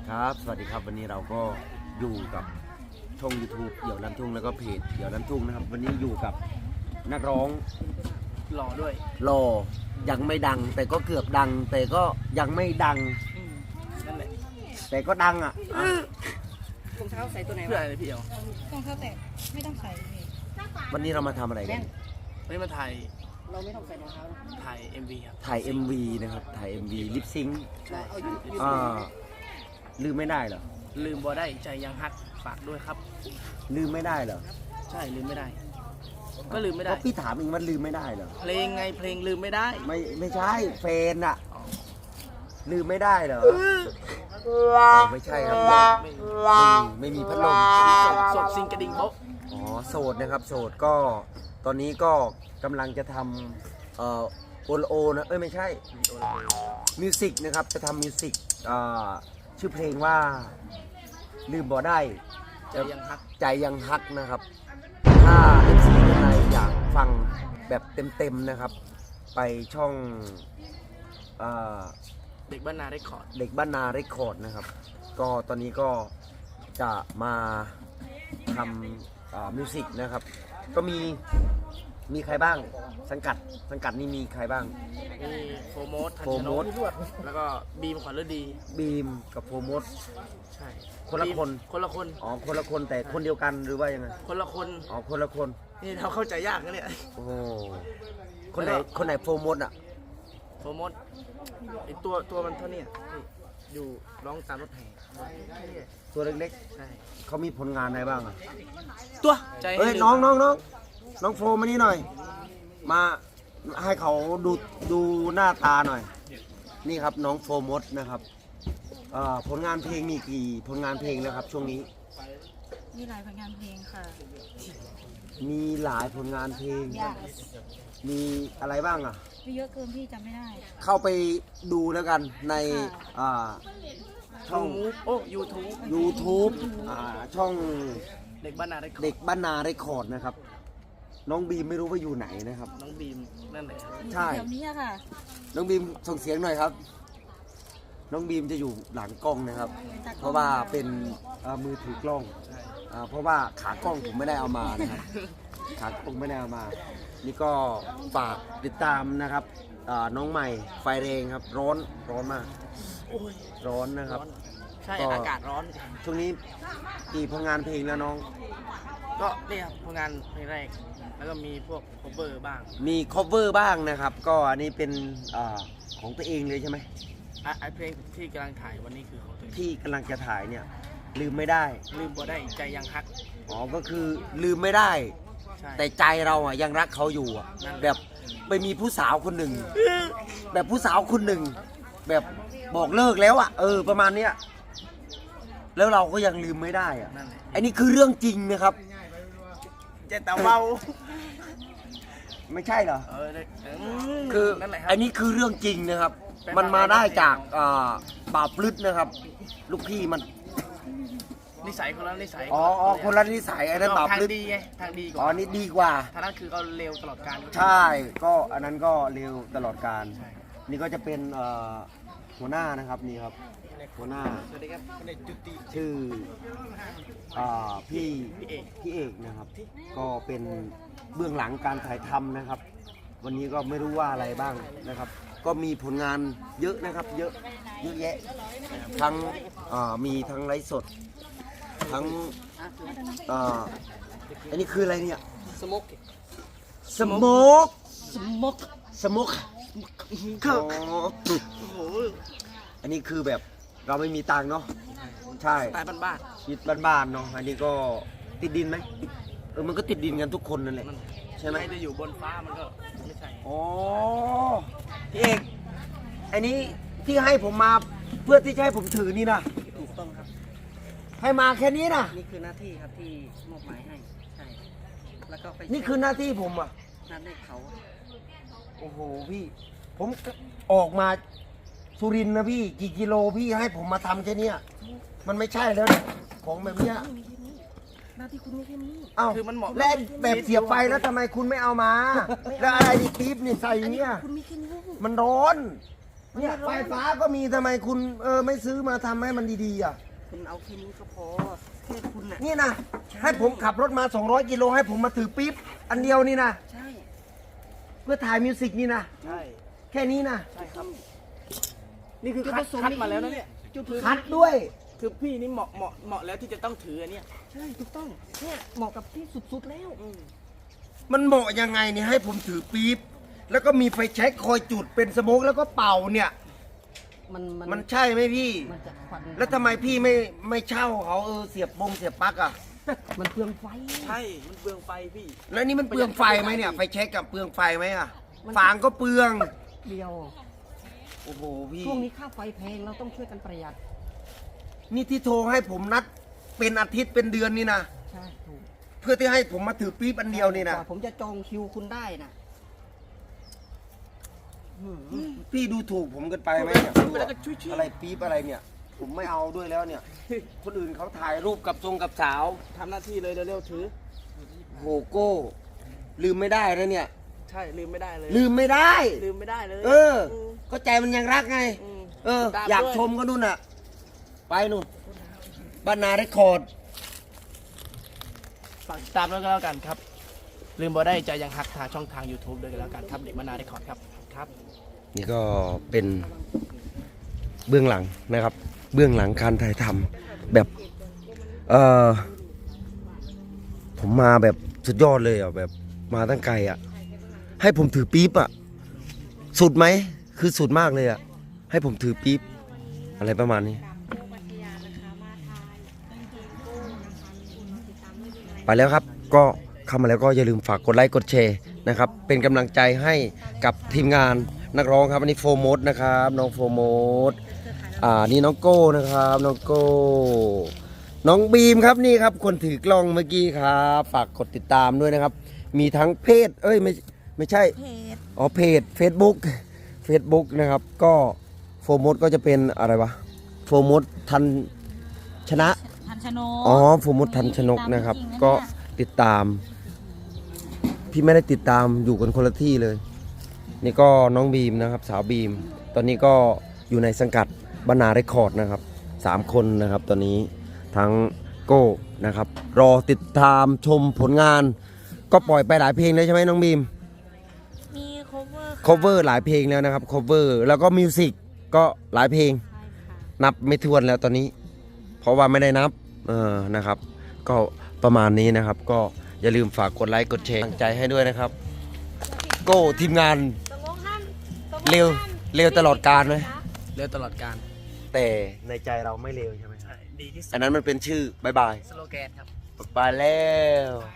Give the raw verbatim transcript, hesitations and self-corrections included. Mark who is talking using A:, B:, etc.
A: ครับสวัสดีครับวันนี้เราก็อยู่กับช่อง ยูทูบ เดี่ยวลันทุ่งแล้วก็เพจเดี่ยวลันทุ่งนะครับวันนี้อยู่กับนักร้อง
B: หล่อด้วย
A: หล่อยังไม่ดังแต่ก็เกือบดังแต่ก็ยังไม่ดัง
B: นั่นแหละ
A: แต่ก็ดังอ่ะ
C: รองเท้าใส่ตัวไหน
B: เพื่ออะไรพี่เอ๋
C: รองเท้าแตะไม่ต้องใส่
A: วันนี้เรามาทำอะไรกัน
B: วันนี้มาถ่าย
C: เราไม่ต้องใส่รองเท้า
B: ถ่าย เอ็ม วี ครับ
A: ถ่าย เอ็ม วี นะครับถ่าย เอ็ม วี ลิปซิงค์
B: ใช่
A: อ่าลืมไม่ได้เหรอ
B: ลืมบ่ได้ใจยังฮักฝากด้วยครับ
A: ลืมไม่ได้เหรอ
B: ใช่ลืมไม่ได้ก็ลืมไม่ได้
A: พี่ถามเองมันลืมไม่ได้เหรอ
B: เพลงไงเพลงลืมไม่ได้
A: ไม่ไม่ใช่เฟนอะลืมไม่ได้เหรอไม่ใช่ครับไม่ไม่มีพัดลม
B: โสดซิงกระดิ่งโบ๊ะ
A: อ๋อโสดนะครับโสดก็ตอนนี้ก็กำลังจะทำเอ่อโอโอนะเอ้ยไม่ใช่มิวสิกนะครับจะทำมิวสิกอ่าชื่อเพลงว่าลืมบ่ได้
B: ใจยังฮัก
A: ใจยังฮักนะครับถ้า เอฟ ซี ท่านใดอยากฟังแบบเต็มๆนะครับไปช่องอ่า
B: เด็กบ้านนาเรคคอร์ด
A: เด็กบ้านนาเรคคอร์ดนะครับก็ตอนนี้ก็จะมาทำมิวสิกนะครับก็มีมีใครบ้างสังกัดสังกัดนี่มีใครบ้าง
B: มีโฟโมสทันชนกแล้วก็บีมขวัญฤดี
A: บีมกับโฟโมส
B: ใช่
A: คนละคน
B: คนละคน
A: อ๋อคนละคนแต่คนเดียวกันหรือว่ายังไง
B: คนละคน
A: อ๋อคนละคน
B: นี่เราเข้าใจยากนะเนี่ย
A: โอ้คนไหนคนไหนโฟโมสอ่ะ
B: โฟโมสไอตัวตัวมันเท่านี้อยู่ร้องตามรถแห่
A: ตัวเล็ก
B: ๆใช่
A: เขามีผลงานอะไรบ้างอ่ะ
B: ตัวใจ
A: เฮ้ยน้องน้องน้องน้องโฟมานี่หน่อยมาให้เขาดูดูหน้าตาหน่อยนี่ครับน้องโฟมดนะครับผลงานเพลงมีกี่ผลงานเพลงแล้วครับช่วงนี้
C: มีหลายผลงานเพลงค่ะ
A: มีหลายผลงานเพลง
C: yes.
A: มีอะไรบ้างอ่ะ
C: มีเยอะเกินพี่จำไม่ได้
A: เข้าไปดูแล้วกันใน
B: ช่องโอ้ยูทูบ
A: ยูทูบช่อง
B: เด็กบ้านนาเรคคอร์ด
A: เด็กบ้านนาเรคคอร์ดนะครับน้องบีมไม่รู้ว่าอยู่ไหนนะครับ
B: น้องบีมนั่นแหละ
A: ใช่
C: แถวนี้ค่ะ
A: น้องบีมส่งเสียงหน่อยครับน้องบีมจะอยู่หลังกล้องนะครับเพราะว่าเป็นมือถือกล้องเพราะว่าขากล้องผมไม่ได้เอามานะครับขากล้องไม่ได้เอามานี่ก็ฝากติดตามนะครับน้องใหม่ไฟแรงครับร้อนร้อนมากร้อนนะครับ
B: ใช่อากาศร้อน
A: ช่วงนี้กี่ผลงานเพลงแล้วน้อง
B: ก็เนี่ยครับผลงานเพลงแรกแล้วก็มีพวก cover บ้าง
A: มี cover บ้างนะครับก็อันนี้เป็นอของตัวเองเลยใช่ไหม
B: ไอเพลงที่กำลังถ่ายวันนี้คือของตัวเอง
A: ที่กำลังจะถ่ายเนี่ยลืมไม่ได้
B: ลืมบ่ได้ใจยังฮัก
A: อ๋อก็คือลืมไม่ได้แต่ใจเราอ่ะยังรักเขาอยู่อ่ะแบบไปมีผู้สาวคนหนึ่งแบบผู้สาวคนหนึ่งแบบบอกเลิกแล้วอ่ะเออประมาณเนี้ยแล้วเราก็ยังลืมไม่ได้อ่ะอันนี้คือเรื่องจริงนะครับ
B: เจ๊ตาเบา
A: ไม่ใช่เหรอ
B: เออ
A: คืออันนี้คือเรื่องจริงนะครับมันมาได้จากบาปลึกนะครับลูกพี่มัน
B: นิสัยคนละนิสัย
A: อ๋อคนละนิสัยอันนั้นบาปลึก
B: ทางดีไงทางดีกว่า
A: อ๋อนี่ดีกว่า
B: ทางนั้นคือเขาเร็วตลอดการ
A: ใช่ก็อันนั้นก็เร็วตลอดการนี่ก็จะเป็นหัวหน้านะครับนี่ครับหัวหน้าชื่อพี่พี่เอกนะครับก็เป็นเบื้องหลังการถ่ายทำนะครับวันนี้ก็ไม่รู้ว่าอะไรบ้างนะครับก็มีผลงานเยอะนะครับเยอะเยอะแยะทั้งมีทั้งไลฟ์สดทั้งอันนี้คืออะไรเนี่ย
B: สโมก
A: สโมก
B: สโมก
A: สโมกอันนี้คือแบบเราไม่มีตังค์เนาะใช่
B: ตายบ้าน
A: ๆชีวิตบ้านๆเนาะอันนี้ก็ติดดินไหมเออมันก็ติดดินกันทุกคนนั่นแหละใช่ไหม
B: จะอยู่บนฟ้ามันก็ไม่ใช่
A: อ๋อพี่เอกอันนี้ที่ให้ผมมาเพื่อที่จะให้ผมถือนี่นะ
B: ถูกต้องครับ
A: ให้มาแค่นี้นะ
B: นี่คือหน้าที่ครับที่มอบหมายให้ใช่แล้วก็ไป
A: นี่คือหน้าที่ผมอ่ะ
B: หน้าที่เขา
A: โอ้โหพี่ผมออกมาสุรินทร์นะพี่กี่กิโลพี่ให้ผมมาทำแค่นี้มันไม่ใช่แล้วของแบบเนี้ย
C: หน้าที่คุณมีแค่นี้
A: อ้าว
B: คือมันเหมาะ
A: และแบบเสียบไฟแล้วทำไมคุณไม่เอามาแล้วอะไรดีปี๊บนี่ใส่เนี้ย
C: คุณมีแค่นี้
A: มันร้อนเนี่ยไฟฟ้าก็มีทำไมคุณเออไม่ซื้อมาทำให้มันดีๆอ่ะ
B: คุณเอาแค่นี้ก็พอแค่คุณน่ะ
A: นี่นะให้ผมขับรถมาสองร้อยกิโลให้ผมมาถือปี๊บอันเดียวนี่นะ
B: ใช่
A: เพื่อถ่ายมิวสิกนี่นะ
B: ใช่
A: แค่นี้นะ
B: ใช่ครับ นี่คือคัดคัดมาแล้วนะเนี่ยจุดถือ
A: คัดด้วย
B: คือพี่นี่เหมาะเหมาะเหมาะแล้วที่จะต้องถืออันเนี้ย
C: ใช่ถูกต้องเนี่ยเหมาะกับพี่สุดๆแล้ว
B: อืม
A: มันเหมาะยังไงเนี่ยให้ผมถือปี๊บแล้วก็มีไฟแช็กคอยจุดเป็นสโมกแล้วก็เป่าเนี่ย
C: มันมัน
A: มันใช่ไหมพี่
C: มันจะควัน
A: แล้วทำไมพี่ไม่ไม่เช่าเขาเออเสียบบงเสียบปลั๊กอ่ะ
C: มันเปลืองไฟ
B: ใช่ มันเปลืองไฟพี่
A: แล้วนี่มันเปลืองไฟไหมเนี่ยไฟแช็กกับเปลืองไฟไหมอ่ะฟางก็เปลือง
C: เดียว
A: โอ้โหพี่
C: ช่วงนี้ค่าไฟแพงเราต้องช่วยกันประหยัด
A: นี่ที่โทรให้ผมนัดเป็นอาทิตย์เป็นเดือนนี่นะ
C: ใช่ถูก
A: เพื่อที่ให้ผมมาถือปี๊บอันเดียวนี่นะ
C: กว่าผมจะจองคิวคุณได้นะอืม
A: พี่ดูถูกผมเกินไปไหมเนี่ย
B: พูดไปแล้วก็ช่วยๆ
A: อะไรปี๊บอะไรเนี่ย ผมไม่เอาด้วยแล้วเนี่ย คนอื่นเขาถ่ายรูปกับทรงกับสาว
B: ทำหน้าที่เลยเร็วๆถือ
A: โหโก้ ลืมไม่ได้นะเนี่ย
B: ใช่ลืมไม่ได้เลย
A: ลืมไม่ได้
B: ลืมไม่ได้เลย
A: เออ ก็ใจมันยังรักไง
B: ม
A: เออ
B: ตาม
A: อยาก
B: ด้วย
A: ชมก็นู่นน่ะ ไปนู่นบ้านนาเรคคอร์ด
B: ฝากติดตามด้วยก็แล้วกันครับ ลืมบ่ได้ใจยังฮักทางช่องทาง YouTube ด้วยกันแล้วกันครับเด็กมนาได้คอร์ดครับครับ
A: นี่ก็เป็นเบื้องหลังนะครับ เบื้องหลังการถ่ายทำแบบ เออผมมาแบบสุดยอดเลยอ่ะแบบมาตั้งไกลอ่ะ ให้ผมถือปี๊บอ่ะ สุดไหม คือสุดมากเลยอ่ะ ให้ผมถือปี๊บอะไรประมาณนี้ ไปแล้วครับ ก็เข้ามาแล้วก็อย่าลืมฝากกดไลค์กดแชร์นะครับ เป็นกำลังใจให้กับทีมงานนักร้องครับอันนี้โฟร์โมดนะครับ น้องโฟร์โมดอ่านี่น้องโก้นะครับ น้องโก้ น้องบีมครับนี่ครับ คนถือกล้องเมื่อกี้ครับ ฝากกดติดตามด้วยนะครับ มีทั้งเพจ เอ้ยไม่ไม่ใช่
C: เพจ
A: อ๋อเพจ Facebook Facebook นะครับ ก็โฟร์โมดก็จะเป็นอะไรวะโฟร์โมดทันชนะ
C: ทันชนก
A: อ๋อโฟร์โมดทันชนกนะครับ ก็ติดตาม พี่ไม่ได้ติดตามอยู่กันคนละที่เลย นี่ก็น้องบีมนะครับ สาวบีม ตอนนี้ก็อยู่ในสังกัดบรรณาเรคคอร์ดนะครับสามคนนะครับ ตอนนี้ทั้งโก้นะครับ รอติดตามชมผลงาน ก็ปล่อยไปหลายเพลงแล้วใช่ไหมน้องบีม
C: มี cover ค่ะ
A: cover หลายเพลงแล้วนะครับ cover แล้วก็มิวสิกก็หลายเพลง
C: ใช่ค่ะ
A: นับไม่ถ้วนแล้วตอนนี้ เพราะว่าไม่ได้นับเออนะครับ ก็ประมาณนี้นะครับ ก็อย่าลืมฝากกดไลค์กดแชร์กำลังใจให้ด้วยนะครับ โก้ทีมงานเร็วเร็วตลอดการไหม
B: เร็วตลอดการ
A: แต่ในใจเราไม่เร็วใช่ไหม
B: ใช่ ดีที่สุด
A: อันนั้นมันเป็นชื่อบายบาย
B: สโลแกนครับ
A: บายแล้ว